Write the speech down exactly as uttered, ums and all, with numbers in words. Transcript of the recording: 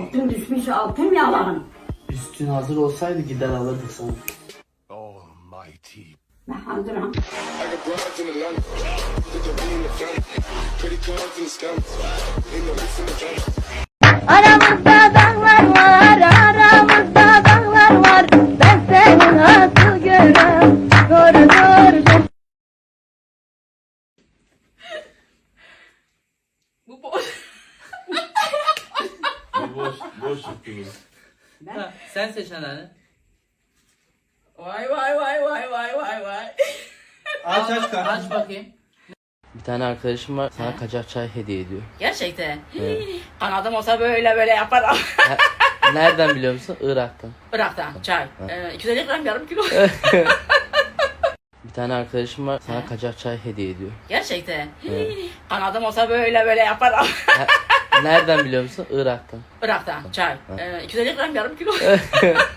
Altın düşmüş, altın yalan. Üstün hazır olsaydı gider alırdık sana. Almighty. Ben hazırım. I got broads in Atlanta. Put the V in the front. Credit cards in the scams. Ain't no ifs in the jump. Aramızda dağlar var, aramızda dağlar var. Ben senin asıl görüm, doğru doğru. Bu boş. boş, boş gibi. Ha, sen seç anneanne. Vay vay vay vay vay vay vay. Aç aç kardeşim. Aç bakayım. Bir tane arkadaşım var sana kaçak çay hediye ediyor. Gerçekten. Evet. Kanadım olsa böyle böyle yaparım. Ha, nereden biliyor musun? Irak'tan. Irak'tan çay. Ee, iki yüz elli gram yarım kilo. Bir tane arkadaşım var sana kaçak çay hediye ediyor. Gerçekten. Evet. Kanadım olsa böyle böyle yaparım. Ha, nereden biliyor musun? Irak'tan. Irak'tan çay. Ee, iki yüz elli gram yarım kilo.